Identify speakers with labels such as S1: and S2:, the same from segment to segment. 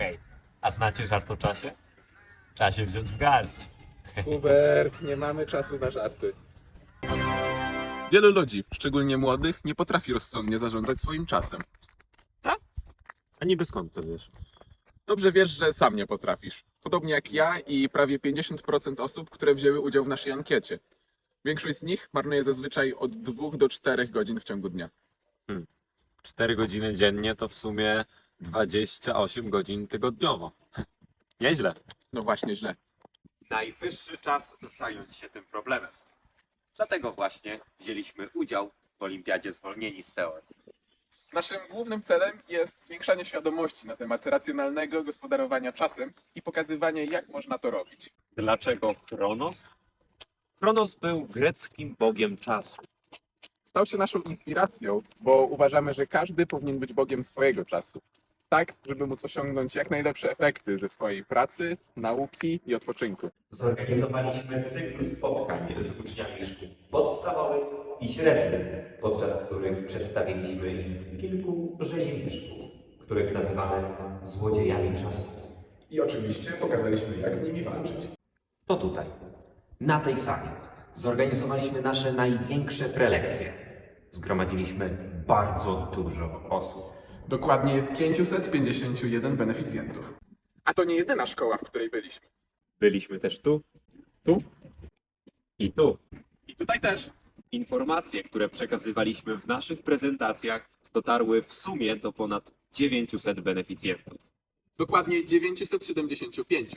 S1: Okej. A znacie żart o czasie? Trzeba się wziąć w garść.
S2: Hubert, nie mamy czasu na żarty.
S3: Wielu ludzi, szczególnie młodych, nie potrafi rozsądnie zarządzać swoim czasem.
S1: A niby skąd to wiesz?
S3: Dobrze wiesz, że sam nie potrafisz. Podobnie jak ja i prawie 50% osób, które wzięły udział w naszej ankiecie. Większość z nich marnuje zazwyczaj od 2 do 4 godzin w ciągu dnia.
S1: 4 godziny dziennie to w sumie 28 godzin tygodniowo. Nieźle.
S3: No właśnie źle.
S1: Najwyższy czas zająć się tym problemem. Dlatego właśnie wzięliśmy udział w Olimpiadzie Zwolnieni z Teorii.
S3: Naszym głównym celem jest zwiększanie świadomości na temat racjonalnego gospodarowania czasem i pokazywanie, jak można to robić.
S1: Dlaczego Chronos? Chronos był greckim bogiem czasu.
S3: Stał się naszą inspiracją, bo uważamy, że każdy powinien być bogiem swojego czasu. Tak, żeby móc osiągnąć jak najlepsze efekty ze swojej pracy, nauki i odpoczynku.
S4: Zorganizowaliśmy cykl spotkań z uczniami szkół podstawowych i średnich, podczas których przedstawiliśmy im kilku rzezimieszków, których nazywamy złodziejami czasu.
S2: I oczywiście pokazaliśmy, jak z nimi walczyć.
S4: To tutaj, na tej sali, zorganizowaliśmy nasze największe prelekcje. Zgromadziliśmy bardzo dużo osób.
S3: Dokładnie 551 beneficjentów. A to nie jedyna szkoła, w której byliśmy.
S1: Byliśmy też tu
S3: Tu
S1: i tu.
S3: i tutaj też.
S1: Informacje, które przekazywaliśmy w naszych prezentacjach, dotarły w sumie do ponad 900 beneficjentów.
S3: Dokładnie 975.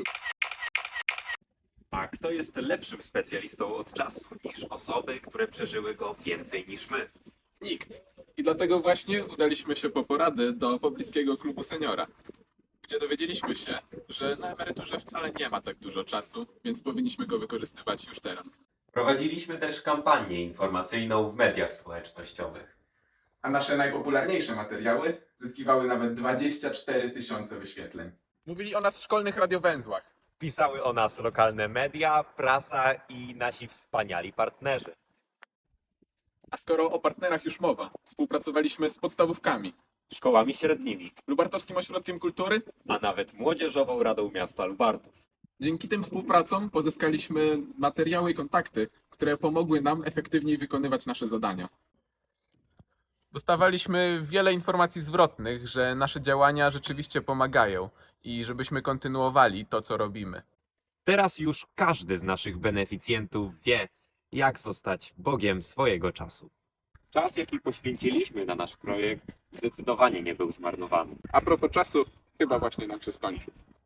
S1: A kto jest lepszym specjalistą od czasu niż osoby, które przeżyły go więcej niż my?
S3: Nikt. I dlatego właśnie udaliśmy się po porady do pobliskiego klubu seniora, gdzie dowiedzieliśmy się, że na emeryturze wcale nie ma tak dużo czasu, więc powinniśmy go wykorzystywać już teraz.
S1: Prowadziliśmy też kampanię informacyjną w mediach społecznościowych.
S3: A nasze najpopularniejsze materiały zyskiwały nawet 24 000 wyświetleń. Mówili o nas w szkolnych radiowęzłach.
S1: Pisały o nas lokalne media, prasa i nasi wspaniali partnerzy.
S3: A skoro o partnerach już mowa, współpracowaliśmy z podstawówkami,
S1: Szkołami średnimi,
S3: Lubartowskim Ośrodkiem Kultury.
S1: a nawet Młodzieżową Radą Miasta Lubartów.
S3: Dzięki tym współpracom pozyskaliśmy materiały i kontakty, które pomogły nam efektywniej wykonywać nasze zadania. Dostawaliśmy wiele informacji zwrotnych, że nasze działania rzeczywiście pomagają i żebyśmy kontynuowali to, co robimy.
S1: Teraz już każdy z naszych beneficjentów wie, jak zostać bogiem swojego czasu. Czas, jaki poświęciliśmy na nasz projekt, zdecydowanie nie był zmarnowany.
S3: A propos czasu, chyba właśnie nam się skończył.